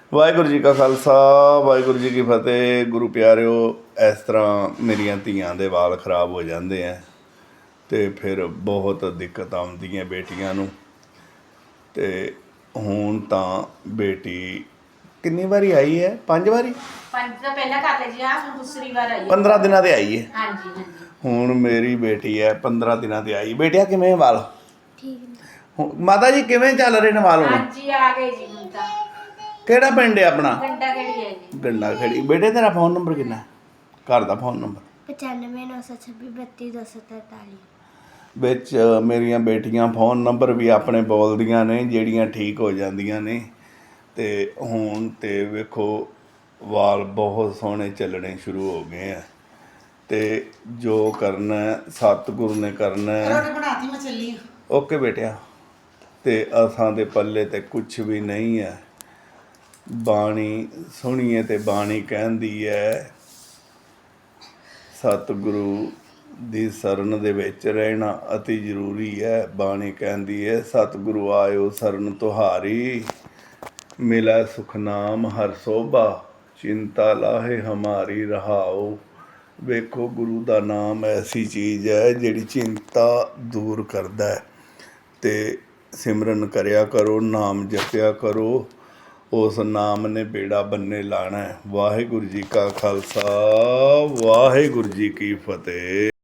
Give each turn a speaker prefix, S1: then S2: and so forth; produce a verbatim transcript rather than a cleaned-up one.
S1: ਵਾਹਿਗੁਰੂ ਜੀ ਕਾ ਖਾਲਸਾ ਵਾਹਿਗੁਰੂ ਜੀ ਕੀ ਫਤਿਹ। ਗੁਰੂ ਪਿਆਰਿਓ, ਇਸ ਤਰ੍ਹਾਂ ਮੇਰੀਆਂ ਧੀਆਂ ਦੇ ਵਾਲ ਖਰਾਬ ਹੋ ਜਾਂਦੇ ਆ ਅਤੇ ਫਿਰ ਬਹੁਤ ਦਿੱਕਤ ਆਉਂਦੀ ਹੈ ਬੇਟੀਆਂ ਨੂੰ। ਅਤੇ ਹੁਣ ਤਾਂ ਬੇਟੀ ਕਿੰਨੀ ਵਾਰੀ ਆਈ ਹੈ? ਪੰਜ ਵਾਰੀ
S2: ਪੰਜ ਤਾਂ ਪਹਿਲਾਂ ਕਰ ਲਈ ਜੀ, ਆ ਹੁਣ ਦੂਸਰੀ ਵਾਰ ਆਈ ਹੈ।
S1: ਪੰਦਰਾਂ ਦਿਨਾਂ 'ਤੇ ਆਈ ਹੈ।
S2: ਹਾਂਜੀ ਹਾਂਜੀ।
S1: ਹੁਣ ਮੇਰੀ ਬੇਟੀ ਹੈ ਪੰਦਰਾਂ ਦਿਨਾਂ 'ਤੇ ਆਈ। ਬੇਟਿਆ ਕਿਵੇਂ ਵਾਲ?
S2: ਠੀਕ
S1: ਹੁਣ ਮਾਤਾ ਜੀ ਕਿਵੇਂ ਚੱਲ ਰਹੇ ਨੇ ਵਾਲ ਹੁਣ?
S2: ਹਾਂਜੀ ਆ ਗਏ ਜੀ ਹੁਣ ਤਾਂ।
S1: ਕਿਹੜਾ ਪਿੰਡ ਹੈ ਆਪਣਾ?
S2: ਗੰਡਾ ਖੇੜੀ ਹੈ ਜੀ।
S1: ਗੰਡਾ ਖੇੜੀ। ਬੇਟੇ ਤੇਰਾ ਫੋਨ ਨੰਬਰ ਕਿੰਨਾ ਹੈ? ਘਰ ਦਾ ਫੋਨ ਨੰਬਰ?
S3: ਪਚਾਨਵੇਂ ਨੌ ਸੌ ਛੱਬੀ ਬੱਤੀ ਦੋ ਸੌ ਤਰਤਾਲੀ।
S1: ਵਿੱਚ ਮੇਰੀਆਂ ਬੇਟੀਆਂ ਫੋਨ ਨੰਬਰ ਵੀ ਆਪਣੇ ਬੋਲਦੀਆਂ ਨੇ, ਜਿਹੜੀਆਂ ਠੀਕ ਹੋ ਜਾਂਦੀਆਂ ਨੇ। ਅਤੇ ਹੁਣ ਤਾਂ ਵੇਖੋ ਵਾਲ ਬਹੁਤ ਸੋਹਣੇ ਚੱਲਣੇ ਸ਼ੁਰੂ ਹੋ ਗਏ ਆ। ਅਤੇ ਜੋ ਕਰਨਾ ਸਤਿਗੁਰੂ ਨੇ ਕਰਨਾ।
S4: ਰੋਟੀ ਬਣਾਤੀ ਮੈਂ ਚੱਲੀ।
S1: ਓਕੇ ਬੇਟਿਆ। ਅਤੇ ਅਸਾਂ ਦੇ ਪੱਲੇ ਤੇ ਕੁਛ ਵੀ ਨਹੀਂ ਹੈ। ਬਾਣੀ ਸੁਣੀਏ ਅਤੇ ਬਾਣੀ ਕਹਿੰਦੀ ਹੈ ਸਤਿਗੁਰੂ ਦੀ ਸ਼ਰਨ ਦੇ ਵਿੱਚ ਰਹਿਣਾ ਅਤੀ ਜ਼ਰੂਰੀ ਹੈ। ਬਾਣੀ ਕਹਿੰਦੀ ਹੈ ਸਤਿਗੁਰੂ ਆਇਓ ਸ਼ਰਨ ਤੁਹਾਰੀ, ਮਿਲੈ ਸੁਖਨਾਮ ਹਰ ਸੋਭਾ, ਚਿੰਤਾ ਲਾਹੇ ਹਮਾਰੀ ਰਹਾਓ। ਵੇਖੋ ਗੁਰੂ ਦਾ ਨਾਮ ਐਸੀ ਚੀਜ਼ ਹੈ ਜਿਹੜੀ ਚਿੰਤਾ ਦੂਰ ਕਰਦਾ ਹੈ। ਅਤੇ ਸਿਮਰਨ ਕਰਿਆ ਕਰੋ, ਨਾਮ ਜਪਿਆ ਕਰੋ, ਉਸ ਨਾਮ ਨੇ ਬੇੜਾ ਬੰਨੇ ਲਾਣਾ ਹੈ। ਵਾਹਿਗੁਰੂ ਜੀ ਕਾ ਖਾਲਸਾ ਵਾਹਿਗੁਰੂ ਜੀ ਕੀ ਫਤਿਹ।